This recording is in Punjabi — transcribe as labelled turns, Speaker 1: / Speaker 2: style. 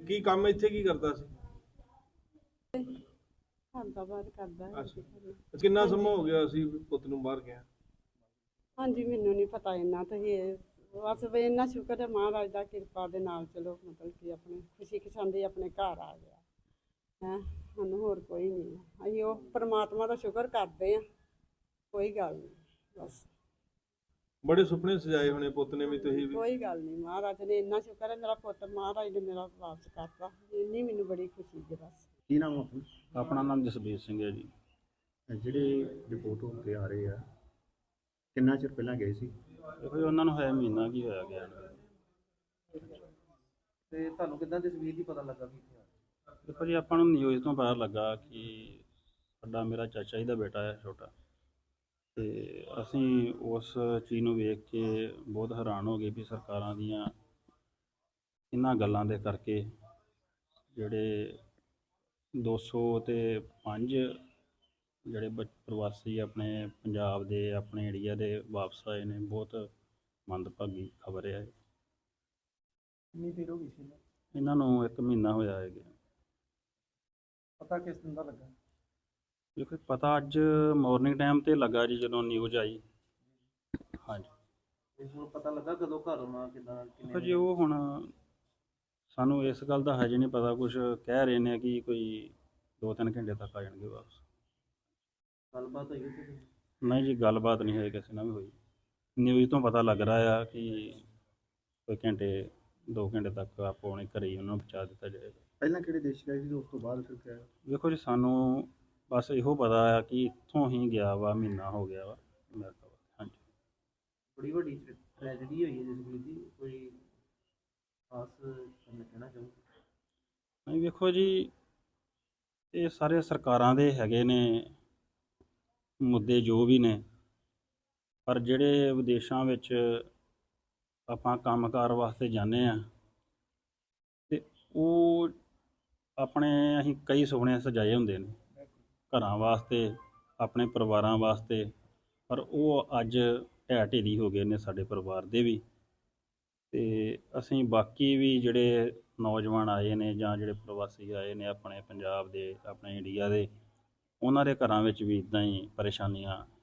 Speaker 1: ਕੀ ਕੰਮ ਇੱਥੇ ਕੀ ਕਰਦਾ ਸੀ?
Speaker 2: ਘੰਟਾ ਬਾਅਦ ਕਰਦਾ ਹੈ।
Speaker 1: ਅੱਛਾ, ਕਿੰਨਾ ਸਮਾਂ ਹੋ ਗਿਆ ਸੀ ਪੁੱਤ ਨੂੰ ਬਾਹਰ ਗਿਆ?
Speaker 2: ਹਾਂਜੀ, ਮੈਨੂੰ ਨਹੀਂ ਪਤਾ ਇੰਨਾ ਤਾਂ ਇਹ ਬਸ ਵੀ ਇੰਨਾ ਸ਼ੁਕਰ ਹੈ ਮਹਾਰਾਜ ਦਾ ਕਿਰਪਾ ਦੇ ਨਾਲ, ਚਲੋ ਮਤਲਬ ਕਿ ਆਪਣੇ ਖੁਸ਼ੀ ਖਸ਼ਾਂਦੀ ਆਪਣੇ ਘਰ ਆ ਗਿਆ ਹੈ। ਸਾਨੂੰ ਹੋਰ ਕੋਈ ਨਹੀਂ, ਅਸੀਂ ਉਹ ਪਰਮਾਤਮਾ ਦਾ ਸ਼ੁਕਰ ਕਰਦੇ ਹਾਂ, ਕੋਈ ਗੱਲ ਨਹੀਂ। ਬਸ
Speaker 1: ਬੜੇ ਸੁਪਨੇ ਸਜਾਏ ਹੋਣੇ ਪੁੱਤ ਨੇ ਵੀ, ਤੁਸੀਂ ਵੀ?
Speaker 2: ਕੋਈ ਗੱਲ ਨਹੀਂ, ਮਹਾਰਾਜ ਨੇ ਇੰਨਾ ਸ਼ੁਕਰ ਹੈ ਮੇਰਾ ਪੁੱਤ ਮਹਾਰਾਜ ਨੇ ਮੇਰਾ ਵਾਪਸ ਕਰਤਾ, ਇੰਨੀ ਮੈਨੂੰ ਬੜੀ ਖੁਸ਼ੀ ਹੈ। ਬਸ
Speaker 3: ਕੀ ਨਾਮ ਆਪਣਾ?
Speaker 4: ਆਪਣਾ ਨਾਮ ਜਸਬੀਰ ਸਿੰਘ ਹੈ ਜੀ।
Speaker 3: ਜਿਹੜੇ ਰਿਪੋਰਟ ਹੋ ਕੇ ਆ ਰਹੇ ਆ, ਕਿੰਨਾ ਚਿਰ ਪਹਿਲਾਂ ਗਏ ਸੀ?
Speaker 4: ਦੇਖੋ ਜੀ, ਉਹਨਾਂ ਨੂੰ ਹੋਇਆ ਮਹੀਨਾ ਕੀ ਹੋਇਆ ਗਿਆ ਨੂੰ।
Speaker 5: ਤੇ ਤੁਹਾਨੂੰ ਕਿੱਦਾਂ ਤਸਵੀਰ ਦੀ ਪਤਾ ਲੱਗਾ ਵੀ
Speaker 4: ਦੇਖੋ ਜੀ, ਆਪਾਂ ਨੂੰ ਨਿਊਜ਼ ਤੋਂ ਪਤਾ ਲੱਗਾ ਕਿ ਸਾਡਾ ਮੇਰਾ ਚਾਚਾ ਜੀ ਦਾ ਬੇਟਾ ਹੈ ਛੋਟਾ, ਤੇ ਅਸੀਂ ਉਸ ਚੀਜ਼ ਨੂੰ ਵੇਖ ਕੇ ਬਹੁਤ ਹੈਰਾਨ ਹੋ ਗਏ ਵੀ ਸਰਕਾਰਾਂ ਦੀਆਂ ਇਹਨਾਂ ਗੱਲਾਂ ਦੇ ਕਰਕੇ ਜਿਹੜੇ 205 ਜਿਹੜੇ ਪ੍ਰਵਾਸੀ ਆਪਣੇ ਪੰਜਾਬ ਦੇ ਆਪਣੇ ਏਰੀਆ ਦੇ ਵਾਪਸ ਆਏ ਨੇ, ਬਹੁਤ ਮੰਦਭਾਗੀ ਖਬਰ ਹੈ।
Speaker 5: ਕਿੰਨੀ ਦੇਰ ਹੋ ਗਈ ਸੀ
Speaker 4: ਇਹਨਾਂ ਨੂੰ 1 ਮਹੀਨਾ ਹੋਇਆ ਹੈ।
Speaker 5: ਪਤਾ ਕਿਸ ਦਿਨ ਦਾ ਲੱਗਾ?
Speaker 4: ਦੇਖੋ ਪਤਾ ਅੱਜ ਮਾਰਨਿੰਗ ਟਾਈਮ ਤੇ ਲੱਗਾ ਜੀ, ਜਦੋਂ ਨਿਊਜ਼ ਆਈ। ਹਾਂਜੀ,
Speaker 5: ਤੇ ਹੁਣ ਪਤਾ ਲੱਗਾ ਕਦੋਂ ਘਰ ਆਉਣਾ, ਕਿੱਦਾਂ
Speaker 4: ਦੇਖੋ ਜੀ, ਉਹ ਹੁਣ ਸਾਨੂੰ ਇਸ ਗੱਲ ਦਾ ਹਜੇ ਨਹੀਂ ਪਤਾ। ਕੁਝ ਕਹਿ ਰਹੇ ਨੇ ਕਿ ਕੋਈ 2-3 ਘੰਟੇ ਤੱਕ ਆ ਜਾਣਗੇ ਵਾਪਸ।
Speaker 5: ਗੱਲਬਾਤ ਹੋਈ ਸੀ?
Speaker 4: ਨਹੀਂ ਜੀ, ਗੱਲਬਾਤ ਨਹੀਂ ਹੋਈ ਕਿਸੇ ਨਾਲ ਵੀ ਹੋਈ। ਨਿਊਜ਼ ਤੋਂ ਪਤਾ ਲੱਗ ਰਿਹਾ ਆ ਕਿ ਕੋਈ 2 ਘੰਟੇ ਤੱਕ ਆਪੋ ਆਪਣੇ ਘਰੇ ਹੀ ਉਹਨਾਂ ਨੂੰ ਪਹੁੰਚਾ ਦਿੱਤਾ ਜਾਏਗਾ।
Speaker 3: ਪਹਿਲਾਂ ਕਿਹੜੇ ਦੇਸ਼ ਗਏ ਸੀ, ਉਸ ਤੋਂ ਬਾਅਦ ਫਿਰ ਕਿਹਾ?
Speaker 4: ਦੇਖੋ ਜੀ, ਸਾਨੂੰ ਬਸ ਇਹੋ ਪਤਾ ਆ ਕਿ ਇੱਥੋਂ ਹੀ ਗਿਆ ਵਾ, ਮਹੀਨਾ ਹੋ ਗਿਆ ਵਾ ਅਮਰੀਕਾ। ਹਾਂਜੀ,
Speaker 5: ਬੜੀ ਵੱਡੀ ਟ੍ਰੈਜਡੀ ਹੋਈ ਹੈ ਜਸਵੀਰ ਦੀ, ਕੋਈ ਖਾਸ ਕਹਿਣਾ ਚਾਹੋ?
Speaker 4: ਨਹੀਂ ਵੇਖੋ ਜੀ, ਇਹ ਸਾਰੇ ਸਰਕਾਰਾਂ ਦੇ ਹੈਗੇ ਨੇ ਮੁੱਦੇ ਜੋ ਵੀ ਨੇ, ਪਰ ਜਿਹੜੇ ਵਿਦੇਸ਼ਾਂ ਵਿੱਚ ਆਪਾਂ ਕੰਮਕਾਰ ਵਾਸਤੇ ਜਾਂਦੇ ਹਾਂ ਤੇ ਉਹ ਆਪਣੇ ਅਸੀਂ ਕਈ ਸੁਪਨੇ ਸਜਾਏ ਹੁੰਦੇ ਨੇ ਘਰਾਂ ਵਾਸਤੇ, ਆਪਣੇ ਪਰਿਵਾਰਾਂ ਵਾਸਤੇ, ਪਰ ਉਹ ਅੱਜ ਢਹਿ ਢੇਰੀ ਹੋ ਗਏ ਨੇ ਸਾਡੇ ਪਰਿਵਾਰ ਦੇ ਵੀ। ਤੇ ਅਸੀਂ ਬਾਕੀ ਵੀ ਜਿਹੜੇ ਨੌਜਵਾਨ ਆਏ ਨੇ ਜਾਂ ਜਿਹੜੇ ਪ੍ਰਵਾਸੀ ਆਏ ਨੇ ਆਪਣੇ ਪੰਜਾਬ ਦੇ, ਆਪਣੇ ਇੰਡੀਆ ਦੇ, ਉਹਨਾਂ ਦੇ ਘਰਾਂ ਵਿੱਚ ਵੀ ਇੱਦਾਂ ਹੀ ਪਰੇਸ਼ਾਨੀਆਂ